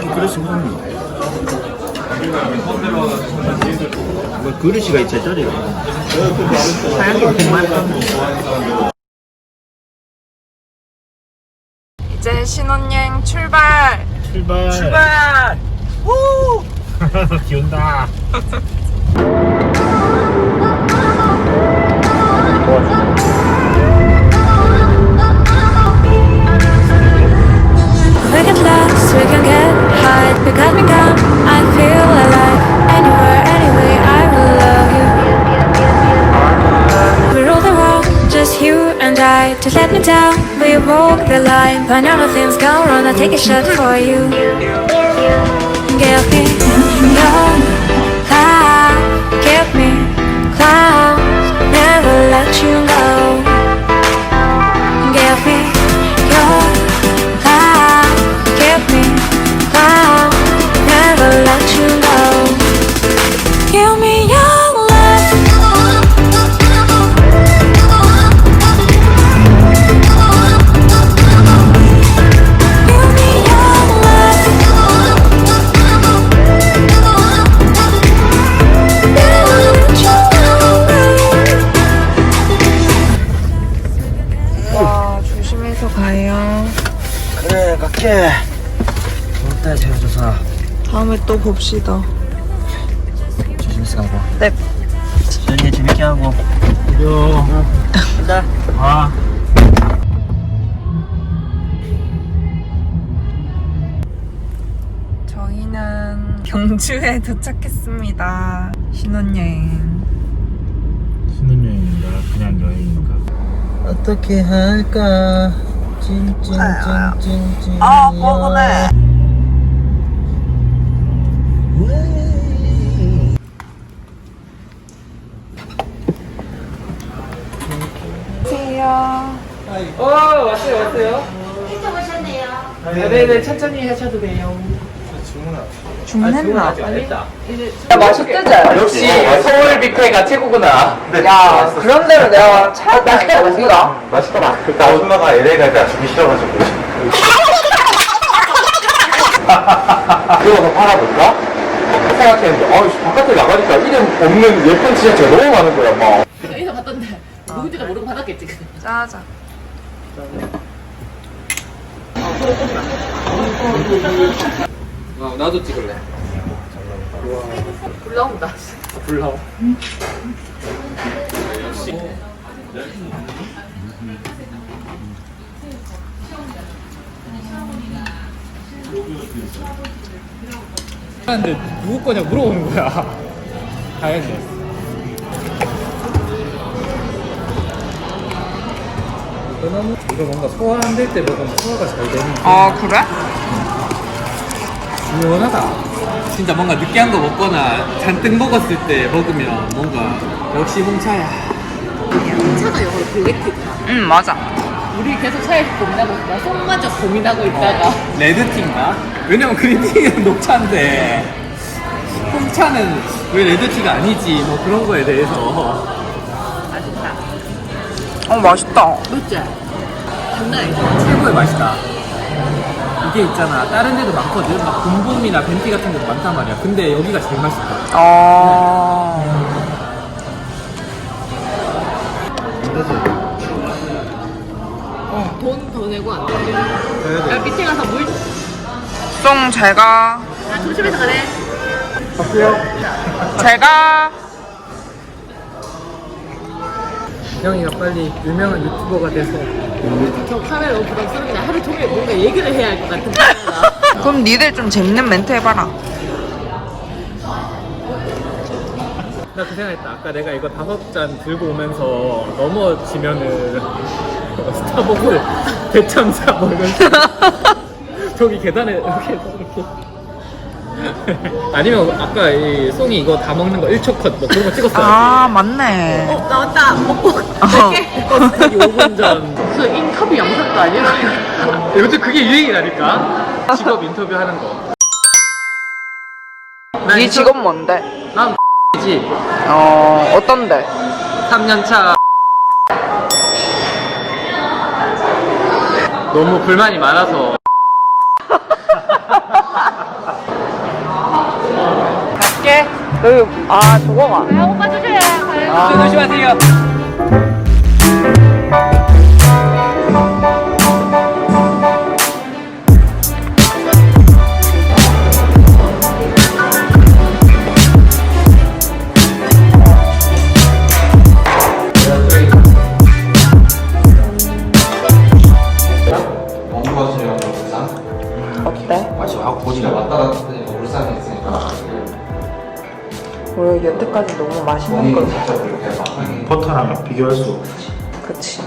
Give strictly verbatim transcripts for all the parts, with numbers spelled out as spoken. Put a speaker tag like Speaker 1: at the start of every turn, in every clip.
Speaker 1: 그릇이 무슨 뭐 그릇이가 이 제자리가 하얀 게 정말
Speaker 2: 이제 신혼여행 출발!
Speaker 1: 출발
Speaker 2: 출발! 우!
Speaker 1: 비 온다.
Speaker 3: We get lost, we can get high. We got me down, I feel alive. Anywhere, anyway, I will love you. We rule the world, just you and I. To let me down, we walk the line. When all the things go wrong, I take a shot for you. Give me your love, give me clouds, never let you go. Give me your love, give me clouds, never let you go. Give me your love. Give me your love. Never let you go.
Speaker 2: 와, 조심해서 가요.
Speaker 1: 그래 갈게. 좋다 재워줘서.
Speaker 2: 다음에 또 봅시다.
Speaker 1: 조심해서 가고.
Speaker 2: 네.
Speaker 1: 저녁에 재밌게 하고. 그래요. 간다. 아.
Speaker 2: 저희는 경주에 도착했습니다. 신혼여행.
Speaker 1: 신혼여행인가 그냥 여행인가. 어떻게 할까? 찐찐찐찐찐.
Speaker 2: 아, 뻐근해. 안녕하세요.
Speaker 4: 어 왔어요 왔어요. 일찍 오셨네요. 네네 천천히 하셔도 돼요.
Speaker 2: 주문했나?
Speaker 4: 야 맛있대지? 역시 서울 뷔페가 최고구나.
Speaker 2: 야, 그런 대로 내가 찾았다니까, 우리가.
Speaker 1: 맛있더라. 나 엄마가 엘에이 갈 때 주기 싫어가지고. 그거 더 팔아볼까? 생각했는데, 아, 바깥에 나가니까 이름 없는 예쁜 티셔츠가 너무 많은 거야, 막.
Speaker 5: 인사 받던데 누군지도 모르고 받았겠지.
Speaker 2: 짜자.
Speaker 4: 어 나도 찍을래.
Speaker 5: 불 나온다.
Speaker 4: 불 나와. 근데 누구 거냐 물어보는 거야. 다행이네. 너무 이거 뭔가 소화 안 될 때 먹으면 소화가 잘 되는.
Speaker 2: 아, 그래?
Speaker 4: 시원하다. 진짜 뭔가 느끼한 거 먹거나 잔뜩 먹었을 때 먹으면 뭔가 역시 홍차야.
Speaker 5: 차가 영어로 블랙티구나.
Speaker 2: 응, 맞아.
Speaker 5: 우리 계속 차에서 고민하고 있다. 속마저 고민하고 있다가
Speaker 4: 어, 레드티인가? 왜냐면 그린티는 녹차인데 홍차는 왜 레드티가 아니지? 뭐 그런 거에 대해서.
Speaker 5: 맛있다.
Speaker 2: 어, 맛있다.
Speaker 5: 맞지? 장난 아니죠?
Speaker 4: 최고의 맛이다. 이게 있잖아. 다른 데도 많거든. 막 봄봄이나 벤티 같은 데도 많단 말이야. 근데 여기가 제일 맛있다.
Speaker 2: 어.
Speaker 5: 돈 더 내고 안 돼. 야, 밑에 가서 물.
Speaker 2: 송, 잘 가.
Speaker 5: 아, 조심해서 가래.
Speaker 2: 잘 가.
Speaker 4: 형이가 빨리 유명한 유튜버가 돼서.
Speaker 5: 저 카메라 너무 부담스럽네. 하루 종일 뭔가 얘기를 해야 할 것 같은 카메라.
Speaker 2: 그럼 니들 좀 재밌는 멘트 해봐라.
Speaker 4: 나 그 생각했다. 아까 내가 이거 다섯 잔 들고 오면서 넘어지면은 스타벅스 대참사 뭐 이런 식으로. 저기 계단에 이렇게 이렇게. 아니면 아까 이 송이 이거 다 먹는 거 일 초 컷 뭐 그런 거 찍었어야지.
Speaker 2: 아, 맞네.
Speaker 5: 어, 나왔다. 먹고
Speaker 2: 어.
Speaker 5: 갈게.
Speaker 4: 버스타기 오 분 전.
Speaker 5: 저 인터뷰 영상도 아니야.
Speaker 4: 요즘 그게 유행이라니까. 직업 인터뷰 하는 거. 난
Speaker 2: 니
Speaker 4: 인터-
Speaker 2: 직업 뭔데?
Speaker 4: 난 지
Speaker 2: 어, 어떤데?
Speaker 4: 삼 년 차. 너무 불만이 많아서
Speaker 2: 갈게. 여기 아 저거가.
Speaker 5: 야, 오빠 조심해.
Speaker 2: 아.
Speaker 4: 조심하세요.
Speaker 1: 원주거든요, 울산.
Speaker 2: 어때?
Speaker 1: 마치 하고 보지가 왔다 갔다 하니까 울산에 있으니까.
Speaker 2: 왜 여태까지 너무 맛있는
Speaker 1: 본인이
Speaker 2: 걸
Speaker 1: 직접 이렇게 막 하긴.
Speaker 6: 버터랑 비교할 수 없지.
Speaker 2: 그치.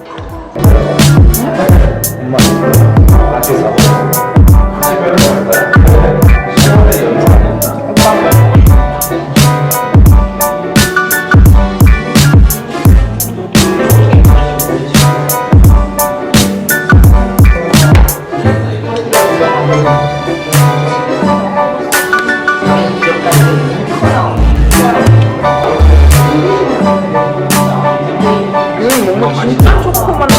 Speaker 1: 같이 사고. 집에는 갈까요? 시원하게 연습하는
Speaker 2: 오빠. 음, 뭔가 진짜 초코만